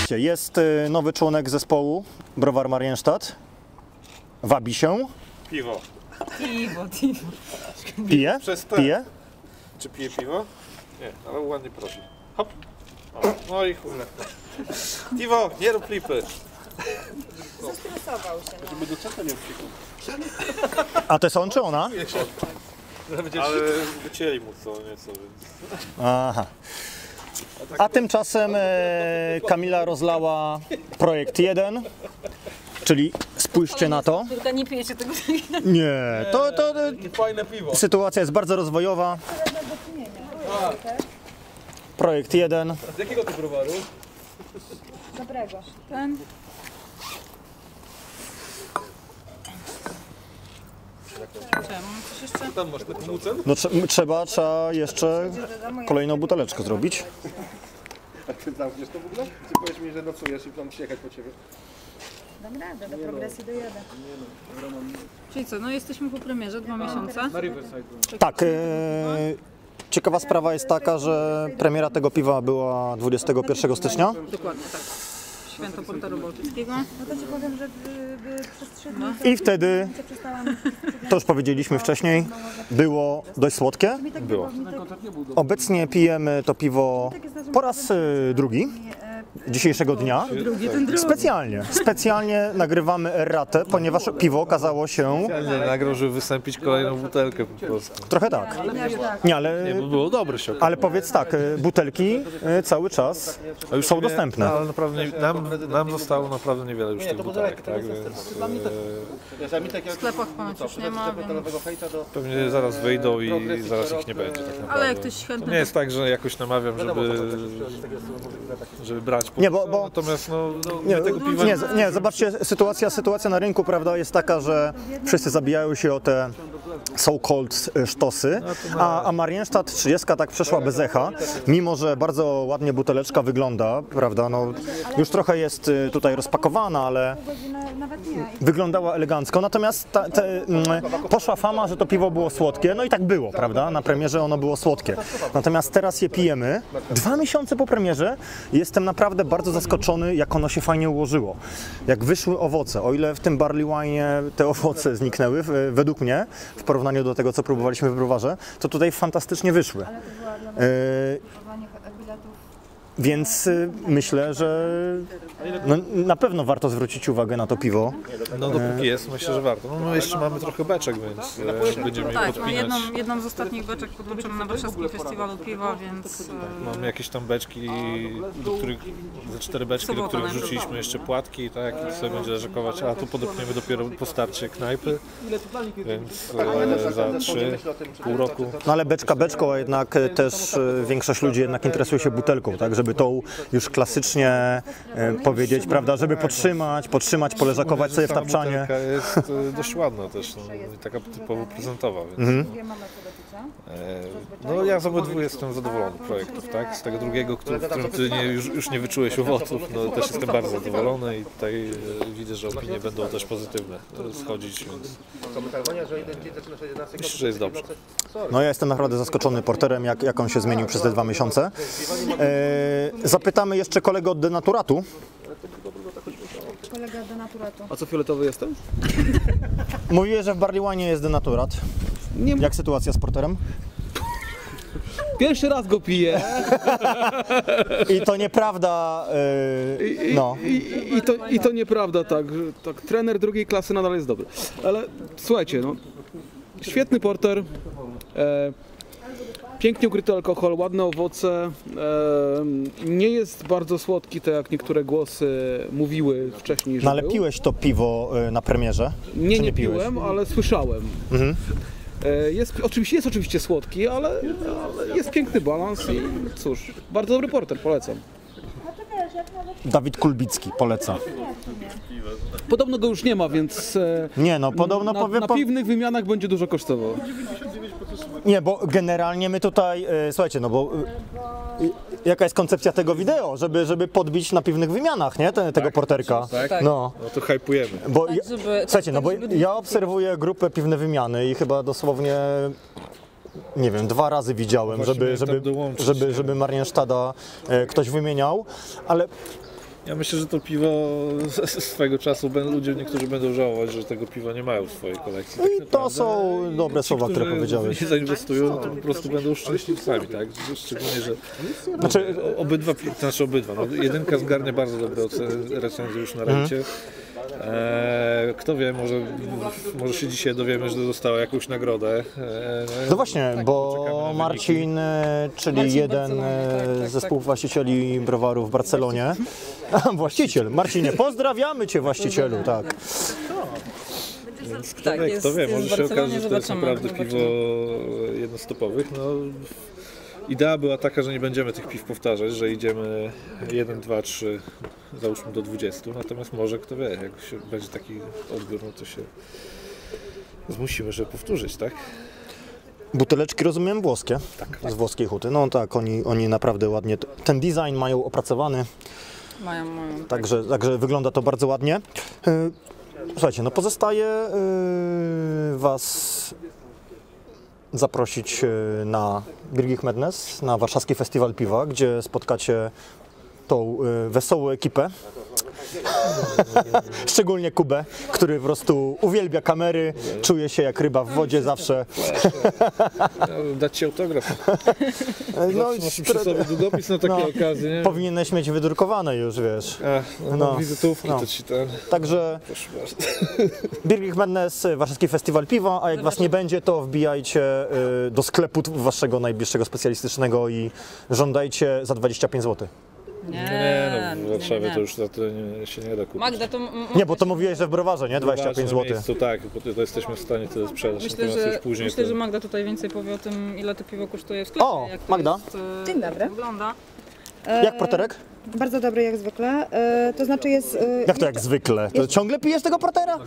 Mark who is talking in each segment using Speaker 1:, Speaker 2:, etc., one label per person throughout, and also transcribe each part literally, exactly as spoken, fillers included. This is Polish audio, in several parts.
Speaker 1: Zobaczcie, jest nowy członek zespołu, Browar Marienstadt. Wabi się.
Speaker 2: Piwo.
Speaker 3: Piwo, piwo.
Speaker 1: Pije? Pije?
Speaker 2: Czy pije piwo? Nie, ale ładnie prosi. Hop. O, no i chuj. Piwo, nie rób lipy.
Speaker 3: Zestresował się.
Speaker 2: Żeby do czego nie wciekł.
Speaker 1: A to jest on czy ona?
Speaker 2: Ale wycięli mu co nieco, więc...
Speaker 1: Aha. A tymczasem e, Kamila rozlała projekt jeden, czyli spójrzcie na to.
Speaker 3: Tylko nie pijecie tego.
Speaker 1: Nie, to, to, to
Speaker 2: Fajne piwo.
Speaker 1: sytuacja jest bardzo rozwojowa. Projekt jeden.
Speaker 2: Z jakiego to browaru?
Speaker 3: Dobrego. Ten. Czemu? Coś jeszcze?
Speaker 2: Tam masz taką mucę?
Speaker 1: No trze- trzeba, trzeba jeszcze kolejną buteleczkę zrobić.
Speaker 4: A ty zamkniesz to w ogóle? Ty powiesz mi, że nocujesz i mam przyjechać po ciebie.
Speaker 3: Dam radę, do progresji dojadę. Czyli co, no jesteśmy po premierze, dwa miesiące.
Speaker 1: Tak, e, ciekawa sprawa jest taka, że premiera tego piwa była dwudziestego pierwszego stycznia.
Speaker 3: Dokładnie, tak. Święto Portaru Bałtyckiego.
Speaker 5: No to ci powiem, że by, by przez trzy dni
Speaker 1: I wtedy,
Speaker 5: się przestałam...
Speaker 1: to już powiedzieliśmy wcześniej, było dość słodkie.
Speaker 2: Było.
Speaker 1: Obecnie pijemy to piwo po raz e, drugi dzisiejszego dnia.
Speaker 3: Drugi, ten drugi.
Speaker 1: Specjalnie, specjalnie nagrywamy erratę, ponieważ piwo okazało się
Speaker 2: Nie nagrał, żeby wystąpić kolejną butelkę po prostu.
Speaker 1: trochę tak. Nie, ale,
Speaker 2: Nie, bo było dobre się.
Speaker 1: ale powiedz tak, e, butelki e, cały czas są dostępne.
Speaker 2: No, ale naprawdę nie, nam, nam zostało naprawdę niewiele już tych butelek, tak? Więc,
Speaker 3: W sklepach ponoć już nie ma, więc...
Speaker 2: e, pewnie zaraz wyjdą i zaraz ich nie będzie tak naprawdę.
Speaker 3: Ale jak ktoś
Speaker 2: To
Speaker 3: chętny,
Speaker 2: nie jest tak, że jakoś namawiam, żeby, żeby brać po
Speaker 1: Nie, bo- bo-
Speaker 2: natomiast no,
Speaker 1: Nie,
Speaker 2: my tego piwa
Speaker 1: nie, nie, zobaczcie, sytuacja, sytuacja na rynku, prawda, jest taka, że wszyscy zabijają się o te so-called sztosy, a, a Marienstadt trzydzieści tak przeszła bez echa, mimo że bardzo ładnie buteleczka wygląda, prawda, no już trochę jest y, tutaj rozpakowana, ale
Speaker 5: godzinę, nawet nie.
Speaker 1: wyglądała elegancko, natomiast ta, te, mm, poszła fama, że to piwo było słodkie, no i tak było, prawda, na premierze ono było słodkie, natomiast teraz je pijemy, dwa miesiące po premierze, jestem naprawdę bardzo zaskoczony, jak ono się fajnie ułożyło, jak wyszły owoce, o ile w tym barley wine'ie te owoce zniknęły, w- według mnie, w porównaniu do tego, co próbowaliśmy w browarze, to tutaj fantastycznie wyszły.
Speaker 5: Ale to była dla
Speaker 1: E,
Speaker 5: kupowania biletów.
Speaker 1: Więc y, myślę, że no, na pewno warto zwrócić uwagę na to piwo.
Speaker 2: No dopóki jest, myślę, że warto. No my jeszcze mamy trochę beczek, więc e, będziemy je
Speaker 3: tak, no
Speaker 2: podpinać.
Speaker 3: jedną, jedną z ostatnich beczek podłączono na Warszawskim Festiwalu Piwa, więc... e,
Speaker 2: Mamy jakieś tam beczki, do których, ze cztery beczki, do
Speaker 3: Sobota
Speaker 2: których
Speaker 3: najpierw.
Speaker 2: wrzuciliśmy jeszcze płatki, tak, i sobie będzie leżakować, a tu podepniemy dopiero po starcie knajpy, więc e, za trzy, pół roku.
Speaker 1: No ale beczka beczką, a jednak y, też y, większość ludzi jednak interesuje się butelką, tak, żeby tą już klasycznie y, powiedzieć, prawda, żeby podtrzymać, podtrzymać, poleżakować sobie w
Speaker 2: Sama
Speaker 1: tapczanie.
Speaker 2: butelka jest e, dość ładna też, no, i taka typowo prezentowa, więc
Speaker 1: Mhm.
Speaker 5: Dwie mamy co do picia.
Speaker 2: e, no ja z obydwu jestem zadowolony projektów, tak, z tego drugiego, który, w którym ty nie, już, już nie wyczułeś owoców, no też jestem bardzo zadowolony i tutaj e, widzę, że opinie będą też pozytywne e, schodzić, więc myślę, że jest dobrze.
Speaker 1: No ja jestem naprawdę zaskoczony porterem, jak, jak on się zmienił przez te dwa miesiące. E, zapytamy jeszcze kolegę od denaturatu.
Speaker 5: Kolega denaturatu.
Speaker 6: A co fioletowy jestem?
Speaker 1: Mówiłeś, że w barley wine'ie jest denaturat.
Speaker 6: Nie,
Speaker 1: Jak sytuacja z porterem?
Speaker 6: pierwszy raz go piję
Speaker 1: I to nieprawda, y,
Speaker 6: i,
Speaker 1: no.
Speaker 6: i, i, to, i to nieprawda, tak, że tak, trener drugiej klasy nadal jest dobry. Ale słuchajcie, no, świetny porter, e, pięknie ukryty alkohol, ładne owoce, e, nie jest bardzo słodki, tak jak niektóre głosy mówiły wcześniej, że
Speaker 1: No ale
Speaker 6: był.
Speaker 1: piłeś to piwo y, na premierze?
Speaker 6: Nie,
Speaker 1: Czy
Speaker 6: nie
Speaker 1: piłeś?
Speaker 6: piłem, ale słyszałem.
Speaker 1: Mhm.
Speaker 6: E, Jest, oczywiście, jest oczywiście słodki, ale, ale jest piękny balans i cóż, bardzo dobry porter, polecam.
Speaker 1: Dawid Kulbicki, poleca.
Speaker 6: Podobno go już nie ma, więc e,
Speaker 1: Nie no, podobno
Speaker 6: na,
Speaker 1: powiem...
Speaker 6: na
Speaker 1: Po...
Speaker 6: piwnych wymianach będzie dużo kosztował.
Speaker 1: Nie, bo generalnie my tutaj, y, słuchajcie, no bo y, jaka jest koncepcja tego wideo, żeby, żeby podbić na piwnych wymianach, nie, Te, tego porterka.
Speaker 2: Tak?
Speaker 1: No,
Speaker 2: No to hypujemy.
Speaker 1: bo
Speaker 3: Tak,
Speaker 1: ja,
Speaker 3: żeby-
Speaker 1: słuchajcie, no
Speaker 3: tak,
Speaker 1: bo
Speaker 3: żeby-
Speaker 1: ja obserwuję grupę piwne wymiany i chyba dosłownie, nie wiem, dwa razy widziałem,
Speaker 2: Właśnie
Speaker 1: żeby,
Speaker 2: miałem tam
Speaker 1: żeby,
Speaker 2: dołączyć.
Speaker 1: żeby, żeby Marienstadta e, ktoś wymieniał, ale
Speaker 2: Ja myślę, że to piwo swego czasu będą, ludzie niektórzy będą żałować, że tego piwa nie mają w swojej kolekcji. Tak
Speaker 1: I to
Speaker 2: naprawdę.
Speaker 1: są dobre
Speaker 2: Ci,
Speaker 1: słowa, które
Speaker 2: którzy
Speaker 1: powiedziałeś.
Speaker 2: nie zainwestują, no to po prostu będą szczęśliwcami, tak? Szczególnie, że
Speaker 1: Znaczy,
Speaker 2: o- obydwa, pi- znaczy obydwa, no, jedynka zgarnie bardzo dobre oceny, recenzje już na ryncie. Eee, kto wie, może, może się dzisiaj dowiemy, że dostała jakąś nagrodę. Eee,
Speaker 1: no właśnie,
Speaker 2: poczekamy
Speaker 1: bo
Speaker 2: na
Speaker 1: Marcin, e, czyli
Speaker 3: Marcin
Speaker 1: jeden
Speaker 3: Barcelona, tak,
Speaker 1: e,
Speaker 3: tak,
Speaker 1: ze
Speaker 3: tak.
Speaker 1: współwłaścicieli browaru w Barcelonie. Właściciel, Marcinie, pozdrawiamy Cię właścicielu, tak.
Speaker 2: Więc kto
Speaker 3: Tak,
Speaker 2: wie,
Speaker 3: jest-
Speaker 2: kto wie,
Speaker 3: jest
Speaker 2: może
Speaker 3: w
Speaker 2: się
Speaker 3: Barcelonie,
Speaker 2: okaże, że to jest
Speaker 3: zobaczymy,
Speaker 2: naprawdę
Speaker 3: zobaczymy.
Speaker 2: piwo jednostopowych. No, idea była taka, że nie będziemy tych piw powtarzać, że idziemy jeden, dwa, trzy, załóżmy do dwudziestu, natomiast może kto wie, jak się będzie taki odbiór, no to się zmusimy, żeby powtórzyć, tak?
Speaker 1: Buteleczki, rozumiem, włoskie, z włoskiej huty. No tak, oni, oni naprawdę ładnie, t- ten design mają opracowany,
Speaker 3: Mają, mają.
Speaker 1: także, także wygląda to bardzo ładnie. E, Słuchajcie, no pozostaje e, Was zaprosić e, na Birgit Madness, na warszawski festiwal piwa, gdzie spotkacie tą e, wesołą ekipę. Szczególnie Kubę, który po prostu uwielbia kamery, czuje się jak ryba w wodzie zawsze.
Speaker 2: No, dać Ci autograf.
Speaker 1: No,
Speaker 2: Masz przy sobie długopis na takie
Speaker 1: No.
Speaker 2: okazje, nie?
Speaker 1: powinieneś mieć wydrukowane już, wiesz.
Speaker 2: A, no,
Speaker 1: No.
Speaker 2: no, wizytówki
Speaker 1: No.
Speaker 2: to Ci ten...
Speaker 1: Także
Speaker 2: Proszę bardzo.
Speaker 1: Birgit Madness, Warszawski Festiwal Piwa, a jak Was nie będzie, to wbijajcie y, do sklepu Waszego najbliższego specjalistycznego i żądajcie za dwadzieścia pięć złotych.
Speaker 2: Nie, no w Warszawie
Speaker 3: nie, nie.
Speaker 2: to już za to nie, się nie da kupić.
Speaker 3: Magda, to m-
Speaker 1: Nie, bo to mówiłeś, że w browarze, nie? dwadzieścia pięć
Speaker 2: Na
Speaker 1: złotych.
Speaker 2: miejscu, tak, bo to, to jesteśmy w stanie tyle sprzedać,
Speaker 3: myślę,
Speaker 2: natomiast
Speaker 3: że,
Speaker 2: już później
Speaker 3: myślę,
Speaker 2: to...
Speaker 3: że Magda tutaj więcej powie o tym, ile to piwo kosztuje w sklepie.
Speaker 1: O,
Speaker 3: jak to
Speaker 1: Magda.
Speaker 3: Jest, e,
Speaker 5: Dzień dobry.
Speaker 3: Wygląda.
Speaker 1: Jak porterek?
Speaker 5: Bardzo dobry jak zwykle. E, to znaczy jest, e,
Speaker 1: Jak to jak zwykle? To ciągle pijesz tego portera?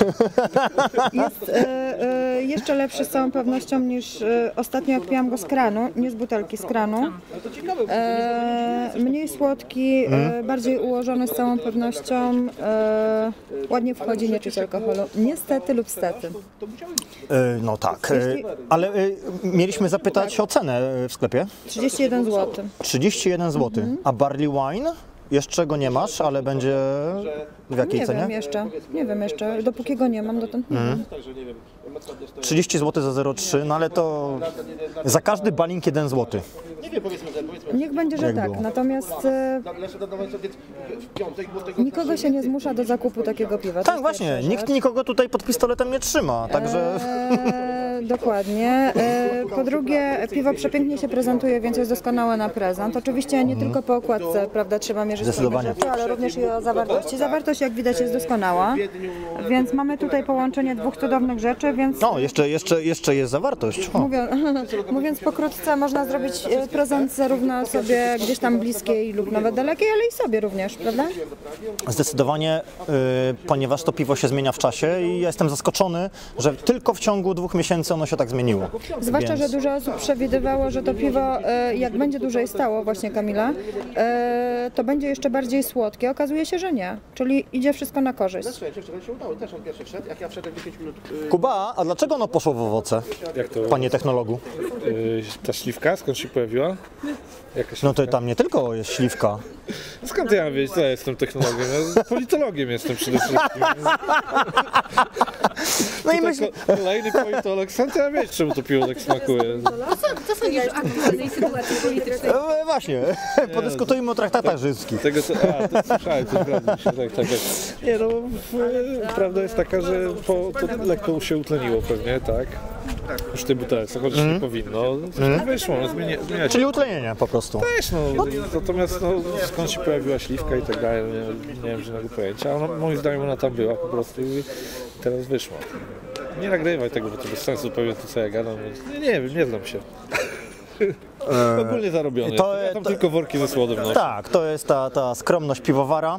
Speaker 5: jest e, e, jeszcze lepszy z całą pewnością niż e, ostatnio jak piłam go z kranu, nie z butelki, z kranu. E, mniej słodki, e, bardziej ułożony z całą pewnością. E, ładnie wchodzi, nie czuć alkoholu. Niestety lub stety.
Speaker 1: Y, No tak, y, ale y, mieliśmy zapytać o cenę w sklepie.
Speaker 5: trzydzieści jeden złotych.
Speaker 1: trzydzieści jeden złotych. A barley wine? Jeszcze go nie masz, ale będzie w jakiej
Speaker 5: Nie
Speaker 1: cenie?
Speaker 5: wiem jeszcze, nie wiem jeszcze. Dopóki go nie mam, dotąd nie wiem.
Speaker 1: trzydzieści złotych za zero przecinek trzy, no ale to za każdy balink jeden złoty.
Speaker 5: Niech będzie, że
Speaker 1: Jak
Speaker 5: tak.
Speaker 1: było?
Speaker 5: Natomiast e, nikogo się nie zmusza do zakupu takiego piwa. To
Speaker 1: Tak,
Speaker 5: jest
Speaker 1: właśnie,
Speaker 5: pierwsza
Speaker 1: nikt
Speaker 5: rzecz.
Speaker 1: nikogo tutaj pod pistoletem nie trzyma, także
Speaker 5: E, dokładnie. E, po drugie, piwo przepięknie się prezentuje, więc jest doskonałe na prezent. Oczywiście nie tylko po okładce, prawda, trzeba mierzyć
Speaker 1: Zdecydowanie.
Speaker 5: pewne rzeczy, ale również i o zawartości. Zawartość, jak widać, jest doskonała, więc mamy tutaj połączenie dwóch cudownych rzeczy, więc
Speaker 1: no, jeszcze, jeszcze, jeszcze jest zawartość. O.
Speaker 5: Mówiąc, mówiąc pokrótce, można zrobić e, prezent zarówno osobie gdzieś tam bliskiej lub nawet dalekiej, ale i sobie również, prawda?
Speaker 1: Zdecydowanie, y, ponieważ to piwo się zmienia w czasie i ja jestem zaskoczony, że tylko w ciągu dwóch miesięcy ono się tak zmieniło.
Speaker 5: Zwłaszcza,
Speaker 1: Więc-
Speaker 5: że dużo osób przewidywało, że to piwo, e, jak będzie dłużej stało, właśnie Kamila, e, to będzie jeszcze bardziej słodkie. Okazuje się, że nie. Czyli idzie wszystko na korzyść.
Speaker 4: Słuchajcie, wczoraj się udało, też on pierwszy wszedł, jak ja wszedłem dziesięć minut. y,
Speaker 1: Kuba, a dlaczego ono poszło w owoce,
Speaker 2: Jak to,
Speaker 1: panie technologu?
Speaker 2: y, ta śliwka, skąd się pojawiła? Jaka
Speaker 1: No to
Speaker 2: śliwka?
Speaker 1: tam nie tylko jest śliwka.
Speaker 2: Skąd ja mam wiedzieć, co ja jestem technologiem? Ja politologiem jestem przede wszystkim.
Speaker 1: No i
Speaker 2: Tutaj
Speaker 1: myślę,
Speaker 2: ko- kolejny politolog, skąd ja mam wiedzieć, czemu to piwo tak smakuje?
Speaker 3: Co sądzisz o aktualnej sytuacji politycznej?
Speaker 1: e, właśnie, podyskutujmy o traktatach rzymskich.
Speaker 2: Tego co, a, to słyszałem, to prawda, się tak, tak, tak. Nie no, w, prawda jest taka, że po, to lekko się utleniło pewnie, tak? Już w tej butelce, chociaż nie powinno. Coś wyszło, no, zmienia, zmienia się.
Speaker 1: Czyli utlenienie po prostu.
Speaker 2: Też, no, natomiast no, skąd się pojawiła śliwka i tak dalej, nie, nie mam żadnego pojęcia, a no, moim zdaniem ona tam była po prostu i teraz wyszła. Nie nagrywaj tego, bo to bez sensu zupełnie to, co ja gadam, więc nie, nie wiem, nie znam się. Ogólnie zarobiony.
Speaker 1: to-
Speaker 2: ja tam
Speaker 1: to-
Speaker 2: tylko worki ze słodem noszę.
Speaker 1: Tak, to jest ta, ta skromność piwowara.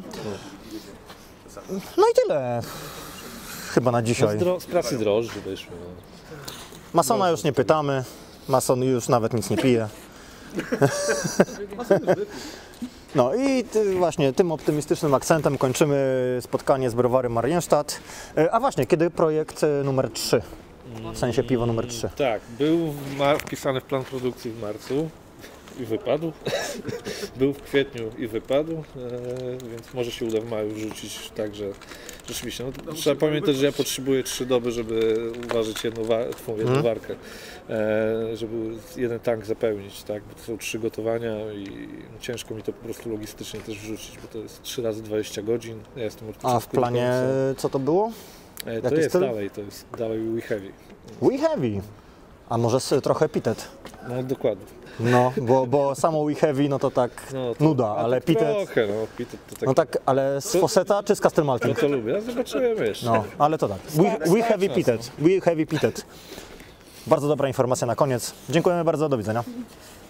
Speaker 1: No i tyle. Chyba na
Speaker 2: Z,
Speaker 1: dzisiaj.
Speaker 2: dro- z pracy drożdży wyszło. No.
Speaker 1: Masona już nie pytamy. Mason już nawet nic nie pije. No i ty, właśnie tym optymistycznym akcentem kończymy spotkanie z browarem Marienstadt. E, A właśnie, kiedy projekt e, numer trzy? W sensie piwo numer trzy.
Speaker 2: Tak, był w mar- wpisany w plan produkcji w marcu. i wypadł. Był w kwietniu i wypadł, e, więc może się uda w maju wrzucić, także rzeczywiście, no, trzeba pamiętać, że ja potrzebuję trzy doby, żeby uważać jedną, wa jedną
Speaker 1: Mhm.
Speaker 2: warkę, e, żeby jeden tank zapełnić, tak, bo to są trzy gotowania i no, ciężko mi to po prostu logistycznie też wrzucić, bo to jest trzy razy dwadzieścia godzin, ja jestem od
Speaker 1: A w
Speaker 2: początku do
Speaker 1: planie
Speaker 2: końca.
Speaker 1: co to było?
Speaker 2: E, to
Speaker 1: jaki
Speaker 2: jest
Speaker 1: styl?
Speaker 2: dalej, to jest dalej We Heavy.
Speaker 1: We Heavy. A może z, trochę Epitet?
Speaker 2: No dokładnie.
Speaker 1: No, bo, bo samo We Heavy, no to tak
Speaker 2: No, to,
Speaker 1: nuda,
Speaker 2: a
Speaker 1: ale
Speaker 2: tak
Speaker 1: Pitet...
Speaker 2: trochę, no, Pitet to tak,
Speaker 1: No tak, ale z Fosseta czy z Castle
Speaker 2: no
Speaker 1: Malting?
Speaker 2: to lubię, a zobaczymy jeszcze.
Speaker 1: No, ale to tak. We, we Heavy Pitet. We Heavy Pitet. Bardzo dobra informacja na koniec. Dziękujemy bardzo, do widzenia.